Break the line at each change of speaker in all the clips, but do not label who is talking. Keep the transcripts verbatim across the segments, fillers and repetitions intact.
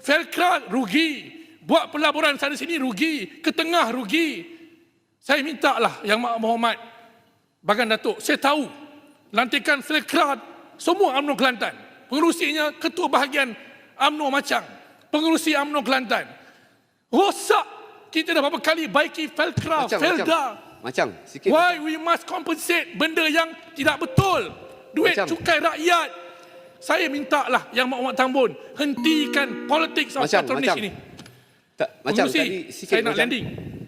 Felkra rugi, buat pelaburan sana sini rugi, ke tengah rugi. Saya minta lah Yang Berhormat Bagan Datuk, saya tahu lantikan Felkra semua UMNO Kelantan, pengerusinya ketua bahagian UMNO Machang, pengerusi UMNO Kelantan. Rosak, kita dah berapa kali baiki Felkra,
Macang,
Felda.
Macang, sikit.
Why we must compensate benda yang tidak betul? Duit
Macam.
cukai rakyat. Saya minta lah Yang Berhormat Tambun hentikan politik of
Macam,
patronis
macam.
ini.
Tak, macam
Pengerusi,
tadi sikit
saya nak
macam.
landing.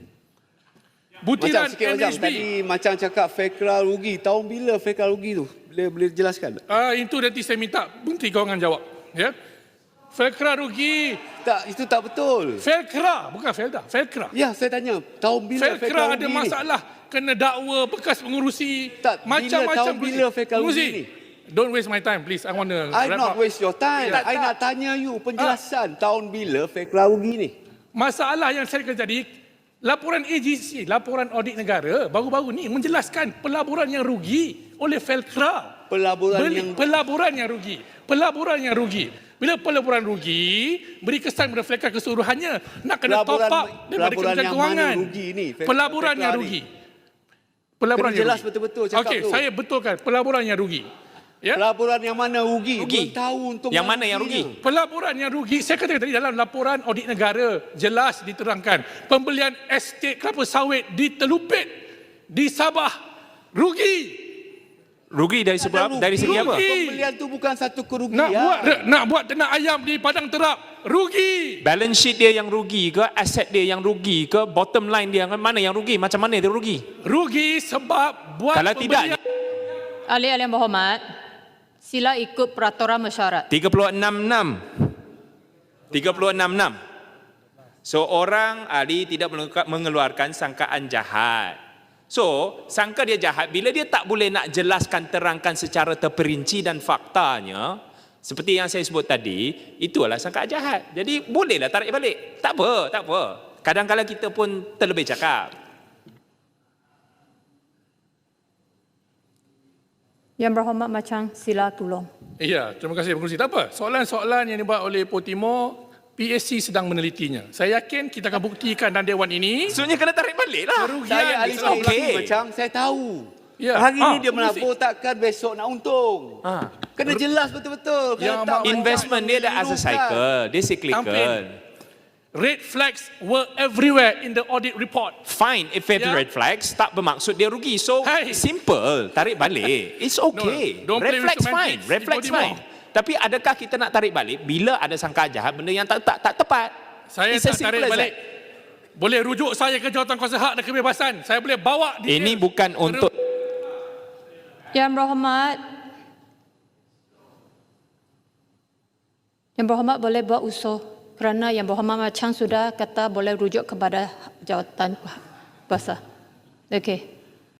Macam
Butiran
sikit macam
M H B.
tadi macam cakap Felkra rugi. Tahun bila Felkra rugi tu? Boleh boleh jelaskan?
Ah, itu nanti saya minta Menteri Kewangan jawab. Ya. Felkra rugi.
Tak, itu tak betul.
Felkra, bukan Felda, Felkra.
Ya, saya tanya, tahun bila Felkra
Felkra
rugi
ada
ni?
masalah, kena dakwa bekas pengurusi,
Tak, bila
macam-macam
tahun bila Felkra rugi ni?
Don't waste my time, please. I want to
I
wrap
not
up.
waste your time.
Tak,
I
tak.
nak tanya you penjelasan tahun bila Felkra rugi ni.
Masalah yang saya kena jadi, laporan A G C, laporan audit negara, baru-baru ni menjelaskan pelaburan yang rugi oleh Felkra.
Pelaburan
Beli,
yang
pelaburan yang rugi. Pelaburan yang rugi. Bila pelaburan rugi, beri kesan kepada Felkra keseluruhannya. Nak kena top
Pelaburan-
up daripada
pelaburan
Kementerian
yang
Kewangan.
mana rugi ni, Fel-
Pelaburan
Felkra
yang
ni?
rugi. Pelaburan
Kena
yang
jelas
rugi.
betul-betul cakap
Okey,
tu.
saya betulkan pelaburan yang rugi. Ya?
Pelaburan yang mana rugi?
Rugi.
Belum tahu untung
Yang mana yang rugi?
Pelaburan yang rugi, saya katakan tadi dalam laporan audit negara jelas diterangkan pembelian estet kelapa sawit di Telupit, di Sabah rugi.
Rugi dari sebab
Ada
dari segi
rugi.
apa?
Pembelian tu bukan satu kerugian.
Nak buat nak buat ternak ayam di Padang Terap rugi.
Balance sheet dia yang rugi ke, aset dia yang rugi ke, bottom line dia mana yang rugi? Macam mana dia rugi?
Rugi sebab buat
Kalau tidak,
Ahli-ahli yang berhormat, sila ikut peraturan mesyuarat.
tiga puluh enam enam. tiga puluh enam enam. Seorang ahli tidak mengeluarkan sangkaan jahat. So, sangka dia jahat bila dia tak boleh nak jelaskan, terangkan secara terperinci dan faktanya, seperti yang saya sebut tadi, itulah sangkaan jahat. Jadi, bolehlah tarik balik. Tak apa, tak apa. Kadang-kadang kita pun terlebih cakap.
Yang berhormat Machang, sila tolong.
Ya, terima kasih pengurusi. Tak apa, soalan-soalan yang dibuat oleh Ipoh Timur, P S C sedang menelitinya. Saya yakin kita akan buktikan dalam Dewan ini.
Sebenarnya kena tarik balik lah.
Kerugian
Saya ahli
It's
strategi
okay.
macam saya tahu.
Ya.
Hari
Ah,
ni dia
pengurusi.
menabur takkan besok nak untung.
Ha.
Kena jelas betul-betul.
Ya,
Kalau tak
Mak,
Investment dia dah as a cycle. Dia
Tampil.
cyclical.
Red flags were everywhere in the audit report.
Fine, if it's
Ya.
red flags, tak bermaksud dia rugi. So,
Hey.
simple, tarik balik. It's okay.
No, don't play
Red
with
flags fine,
semantics.
red
Ipoh
flags
Timur.
fine. Tapi adakah kita nak tarik balik bila ada sangka jahat, benda yang tak tak, tak tepat?
Saya
It's as
tak
simple
tarik
as
balik. Boleh rujuk saya ke jawatan kuasa hak dan kebebasan. Saya boleh bawa
that.
detail.
Ini bukan untuk
Yang berhormat, Yang berhormat boleh buat usul kerana Yang berhormat Machang sudah kata boleh rujuk kepada jawatan kuasa. Okey.